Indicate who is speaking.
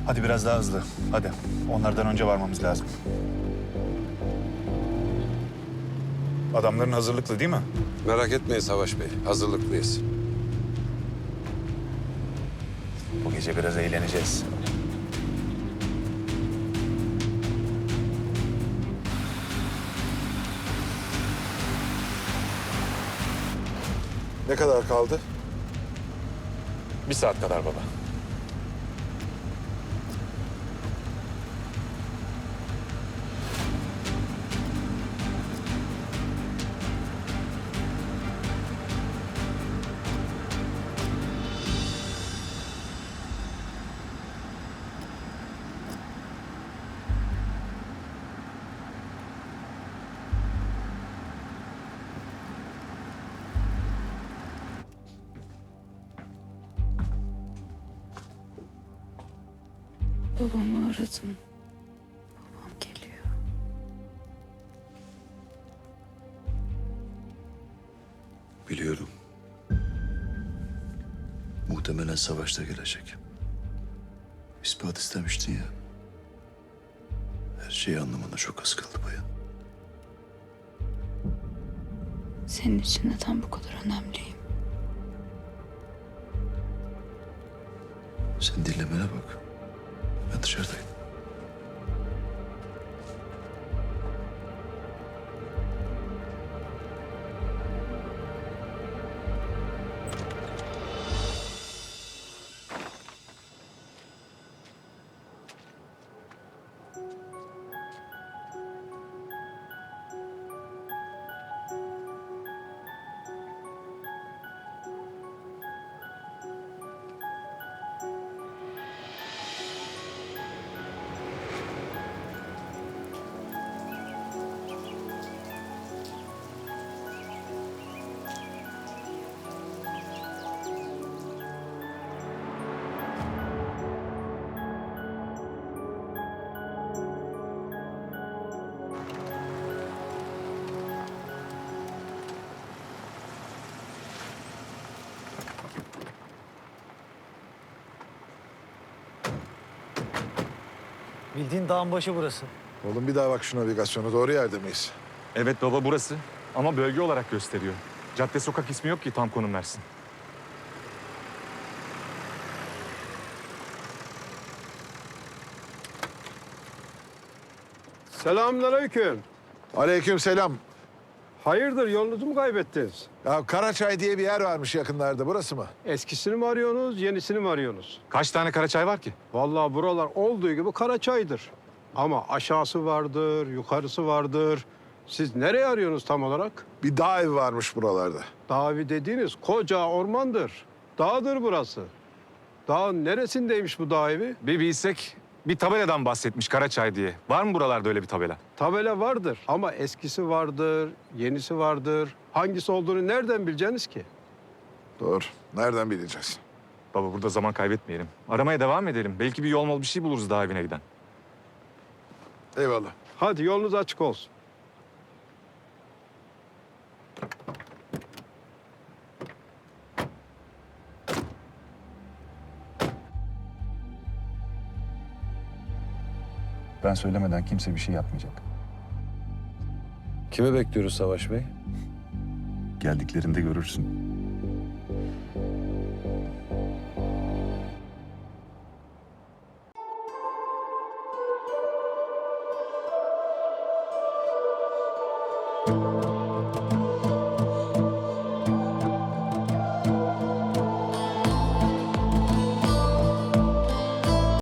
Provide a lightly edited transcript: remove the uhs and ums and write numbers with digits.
Speaker 1: Hadi biraz daha hızlı. Hadi. Onlardan önce varmamız lazım. Adamların hazırlıklı değil mi?
Speaker 2: Merak etmeyin Savaş Bey, hazırlıklıyız.
Speaker 1: Bu gece biraz eğleneceğiz.
Speaker 3: Ne kadar kaldı?
Speaker 4: 1 saat kadar baba.
Speaker 5: Babamı aradım. Babam geliyor.
Speaker 6: Biliyorum. Muhtemelen savaşta gelecek. İspat istemiştin ya. Her şeyi anlamana çok az kaldı bayan.
Speaker 5: Senin için neden bu kadar önemliyim?
Speaker 6: Sen dinlemene bak. Ben dışarıdayım.
Speaker 7: Bildiğin dağın başı burası.
Speaker 3: Oğlum bir daha bak şu navigasyona. Doğru yerde miyiz?
Speaker 4: Evet baba burası. Ama bölge olarak gösteriyor. Cadde sokak ismi yok ki tam konum versin.
Speaker 8: Selamünaleyküm.
Speaker 3: Aleykümselam.
Speaker 8: Hayırdır yolunuzu mu kaybettiniz?
Speaker 3: Ya Karaçay diye bir yer varmış yakınlarda. Burası mı?
Speaker 8: Eskisini mi arıyorsunuz, yenisini mi arıyorsunuz?
Speaker 4: Kaç tane Karaçay var ki?
Speaker 8: Vallahi buralar olduğu gibi Karaçay'dır. Ama aşağısı vardır, yukarısı vardır. Siz nereye arıyorsunuz tam olarak?
Speaker 3: Bir dağ evi varmış buralarda.
Speaker 8: Dağ evi dediğiniz koca ormandır. Dağdır burası. Dağın neresindeymiş bu dağ evi?
Speaker 4: Bir bilsek bir tabeladan bahsetmiş Karaçay diye. Var mı buralarda öyle bir tabela?
Speaker 8: Tabela vardır ama eskisi vardır, yenisi vardır. Hangisi olduğunu nereden bileceksiniz ki?
Speaker 3: Doğru. Nereden bileceğiz?
Speaker 4: Baba burada zaman kaybetmeyelim. Aramaya devam edelim. Belki bir yol bir şey buluruz daha evine giden.
Speaker 3: Eyvallah.
Speaker 8: Hadi yolunuz açık olsun.
Speaker 1: Ben söylemeden kimse bir şey yapmayacak.
Speaker 2: Kimi bekliyoruz Savaş Bey?
Speaker 1: Geldiklerinde görürsün.